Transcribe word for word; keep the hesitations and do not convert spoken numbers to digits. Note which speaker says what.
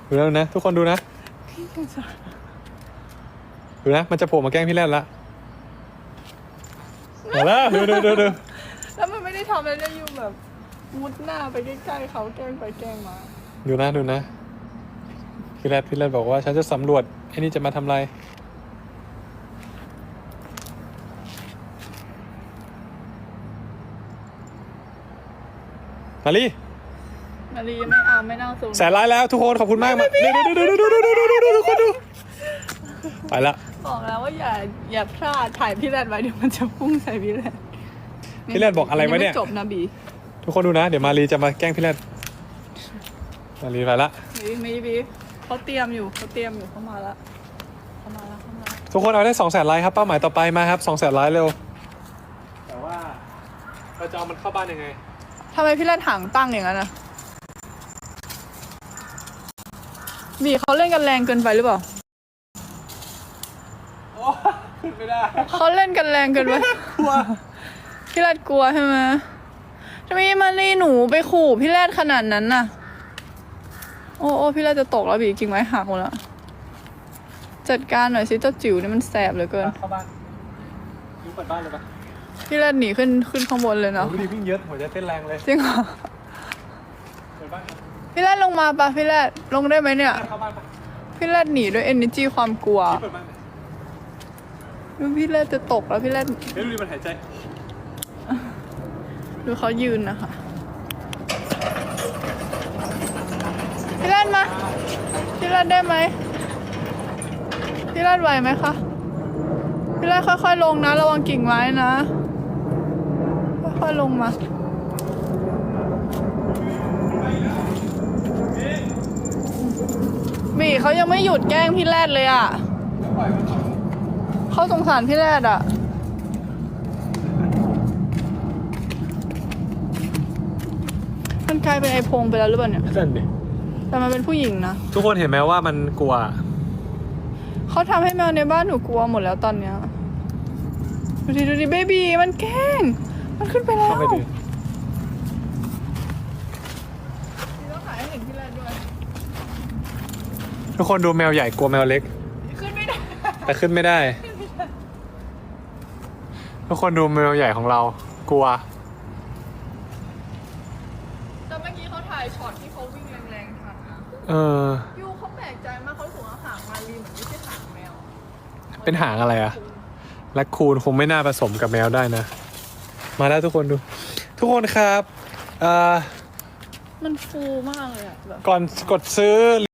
Speaker 1: ดูแล้วนะทุกคนดูนะดูนะมันจะโผล่มาแกล้งพี่แรดละมาแล้วดูดูดูดู
Speaker 2: แล้วมันไม่ได้ทำอะไรเลยอยู่แบบมุดหน้าไปใกล้ๆเขาแกล้งไปแกล้งมา
Speaker 1: ดูนะดูนะพี่แรดพี่แรดบอกว่าฉันจะสำรวจไอ้นี่จะมาทำอะไรมาลี
Speaker 2: มารีไม่เอาไม่นั่งสูง
Speaker 1: แสนไลค์แล้วทุกคนขอบคุณมากมาดูดูดูดูดูดูดูดูดูทุกคนดูไปละ
Speaker 2: บอกแล้วว่าอย่าอย่าพลาดถ่ายพี่แรดไว้เดี๋ยวมันจะพุ่งใส่พี่แรด
Speaker 1: พี่แรดบอกอะไรวะเนี่ย
Speaker 2: จบนะบี
Speaker 1: ทุกคนดูนะเดี๋ยวมารีจะมาแกล้งพี่แรดมารีไปละ
Speaker 2: บีบีบีเขาเตรียมอยู่เขาเตรียมอยู่เขามาละเขามาละเขามา
Speaker 1: ทุกคนเอาได้สองแสนไลค์ครับเป้าหมายต่อไปมาครับสองแสนไลค์เร็วแต่ว่าเราจะเอามันเข้าบ้านยังไง
Speaker 2: ทำไมพี่แรดหางตั้งอย่างนั้นอะบีเขาเล่นกันแรงเกินไปหรือเปล่า
Speaker 1: โอ้ขึ้นไม่ได้
Speaker 2: เขาเล่นกันแรงเกินไป
Speaker 1: กลัว
Speaker 2: พี่แรดกลัวใช่ไหมทำไมมารีหนูไปขู่พี่แรดขนาดนั้นน่ะโอ้โอ้พี่แรดจะตกแล้วบีกิ่งไม้หักหมดแล้วจัดการหน่อยสิเจ้าจิ๋วนี่มันแสบเหลือเกิน
Speaker 1: เข้าบ้านยูเปิดบ้านเลยปะ
Speaker 2: พี่แรดหนีขึ้นขึ้นข้างบนเลยเนาะ
Speaker 1: ดีวิ่งเยอะหัวใจเต้นแรงเลย
Speaker 2: จริงเหรอ
Speaker 1: เปิดบ้าน
Speaker 2: พี่แรดลงมาปะพี่แรดลงได้ไหมเนี่ย
Speaker 1: เข้าบ้านปะ
Speaker 2: พี่แรดหนีด้วย energy ความกลัว
Speaker 1: เปิดบ้าน
Speaker 2: ดูพี่แรดจะตกแล้วพี่แรด
Speaker 1: เฮ้ยดูดิมันหายใจ
Speaker 2: ดูเขายืนนะคะพี่แรดมาพี่แรดได้ไหมพี่แรดไหวไหมคะพี่แรดค่อยๆลงนะระวังกิ่งไม้นะค่อยๆลงมาบีเขายังไม่หยุดแกล้งพี่แรดเลยอ่ะเขาสงสารพี่แรดอ่ะมันกลายเป็นไอพงไปแล้วหรือเปล่าเนี่ย
Speaker 1: นั่นดิ
Speaker 2: แต่มันเป็นผู้หญิงนะ
Speaker 1: ทุกคนเห็นไหมว่ามันกลัว
Speaker 2: เขาทำให้แมวในบ้านหนูกลัวหมดแล้วตอนเนี้ยดูดิดูดิเบบีมันแกล้งมันขึ้นไปแล้วต้องถ่ายให้เห็นพี่แรดด้วย
Speaker 1: ทุกคนดูแมวใหญ่กลัวแมวเล็ก
Speaker 2: ขึ้นไม่ได้
Speaker 1: แต่ขึ้นไม่ได้ทุกคนดูแมวใหญ่ของเรากลัว
Speaker 2: แต่เมื่อกี้เขาถ่ายช็อตที่เขาวิ่งแรงๆทันนะ
Speaker 1: เออ
Speaker 2: ยูเขาแปลกใจมากเขาสูงหางมาลีเหมือนไม่ใช่หางแมว
Speaker 1: เป็นหางอะไรอะแรคคูนคงไม่น่าผสมกับแมวได้นะมาแล้วทุกคนดูทุกคนครับเอ่อ
Speaker 2: มันฟูมากเลยอะแบบ
Speaker 1: ก่อนกดซื้อ